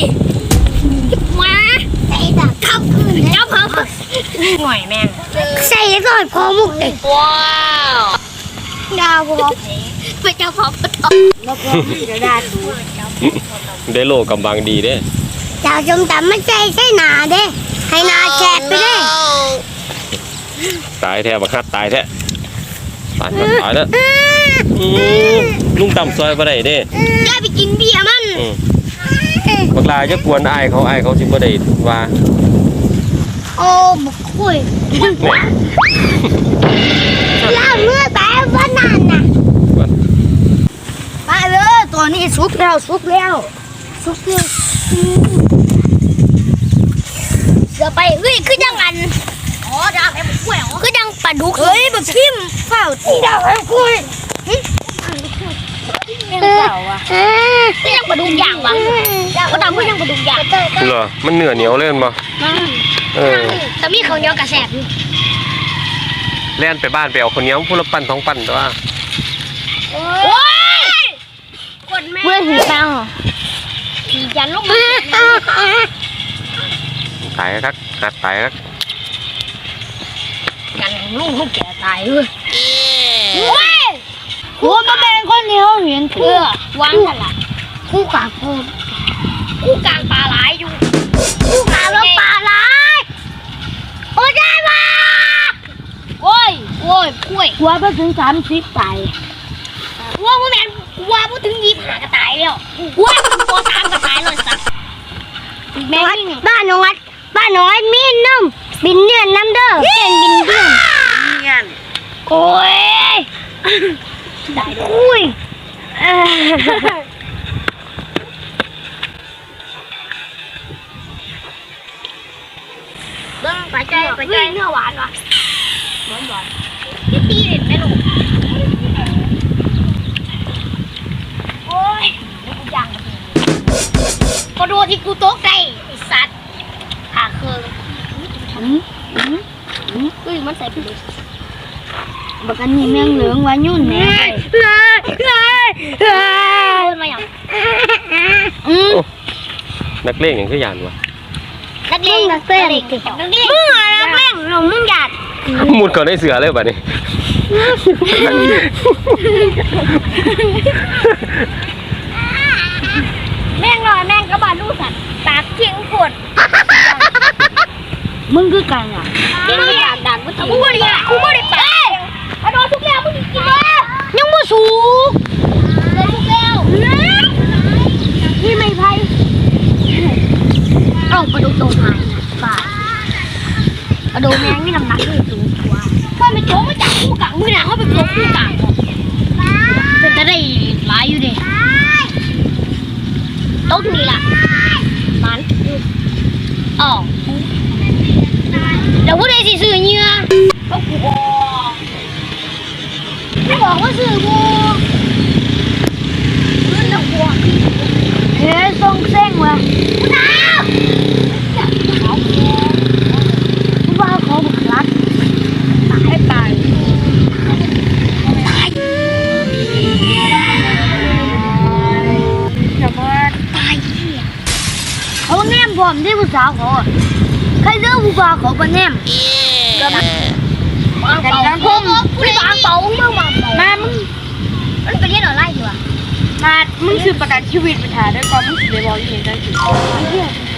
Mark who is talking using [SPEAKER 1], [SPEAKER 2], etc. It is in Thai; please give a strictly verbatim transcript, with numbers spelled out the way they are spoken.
[SPEAKER 1] มาใส่ดับเข้าคืนเจ้าเพิ่มหน่อยแม่งใส่ซอยพอมุกเด็กว้าวดาวพอไปเจ้าพอปตแล้วก็จะได้ดู
[SPEAKER 2] ได้โลกำบังดีเด้
[SPEAKER 1] เจ้าจมตำไม่ใช่ใช่หนาเด้ให้นาแฉกไปเด้
[SPEAKER 2] ตายแท้บักฮัดตายแท้ตายมันตายแล้วลุงต่ำซอยบ่ได้เด้
[SPEAKER 1] ได้ไปกินเบียร์มัน
[SPEAKER 2] บักลาจะกวนอายเขาอายเขาสิบ่ได้ว่า
[SPEAKER 1] โอ้บุกคุยแล้วเมื่อแต่วันนั้นน่ะไปเลยตัวนี้สุกแล้วสุกแล้วสุกแล้วเสือไปเฮ้ยคือยังงันอ๋อดาวแพ้บุกคุยอ๋อคือยังปลาดุกเฮ้ยแบบพิมเฝ้าตีดาวแพ้บุกคุยยังเฝ้าอ่ะก็ยังปลาดุกอย่างวะก็ดาวก็ยังปลาดุกอย่าง
[SPEAKER 2] เหรอมันเนื้อเหนียวเล่นบ่เออ
[SPEAKER 1] แต่มีเขาเหนียวกระแสบอยู่
[SPEAKER 2] เล่นไปบ้านไปเอาคนเหนียวพูดละปั้นท้องปั้นตัว
[SPEAKER 1] โอ้ยคนแม่เมื่อถือตังผีจันลูก
[SPEAKER 2] ตายครับหัดตายครับ
[SPEAKER 1] กันลูกลูกแก่ตายเลยโอ้ยหัวมาแบ่งคนเดียวเห็นเพื่อวางกันละคู่กลางเพิ่มคู่กลางปลาไหลอยู่คู่กลางแล้วปลาไหลโอ้ยได้มาโอ้ยโอ้ยป่วยหัวไปถึงสามสิบตายหัวพ่อแม่หัวพูดถึงยี่สิบห้าก็ตายแล้วหัวหัวสามก็ตายเลยสักแม่บ้านน้อยบ้านน้อยมีนุ่มบินเดือนน้ำเด้อเดือนบินเดือนเดือนโอ้ยได้อุ้ยเบิ้งไปใจไปใจเนื้อหวานวะหวานหวานตีตีเด็ดไหมลูกโอ้ยนี่กูยังพอดูที่กูโต๊ะไก่ไอ้สัตว์ขาเคืองอืมอืมอืมอุ้ยมันใส่ไปเลยบักอันนี้แมงเหลืองวายุ่นแม่เลยเลยเลยมาอย่างอืม
[SPEAKER 2] นักเลงอย่างคือยานวะ
[SPEAKER 1] นักเลงนักเลงนักเลงมึงอะไรนักเลงเรามึงหยาด
[SPEAKER 2] มุดก่อนได้เสือเลยป่ะนี่
[SPEAKER 1] แม่งลอยแม่งกระบาดลูกสัตว์ตากเชียงปวดมึงคือกันอ่ะยังไม่อยากดังกูกูไม่ได้กูไม่ได้ไปเอาโดนทุกแล้วมึงกินเลยยังไม่สูงเลยทุกแล้วนี่ไม่ไพ่เอาไปดูตรงไหนป่าเอาดูแมงนี่น้ำหนักนี่สูงกว่าก็ไม่โจ๊กไม่จับคู่กังมือหนาเขาไปโจ๊กคู่กังเป็นจะได้หลายอยู่ดิต้นนี่ล่ะมันอ๋อเดี๋ยวพูดได้สิซื้อเนื้อก็กูบอกไม่บอกว่าซื้อกูเงินดอกบัวเฮ้ยส่งเส้งว่ะกูน้าวเขากูว่าเขาบุกรักตายตายจะมาตายเขาแนมผมที่ผู้สาวเขาใครเลือกผู้บ่าวเขาเป็นแนมก็มันบางเป่าพุ่มผู้บางเป่ามึงบางเป่ามามึงมันไปเรียนออนไลน์อยู่อ่ะมามึงซื้อประกันชีวิตไปถ่ายด้วยก่อนมึงสิได้บอกยังไงได้สิ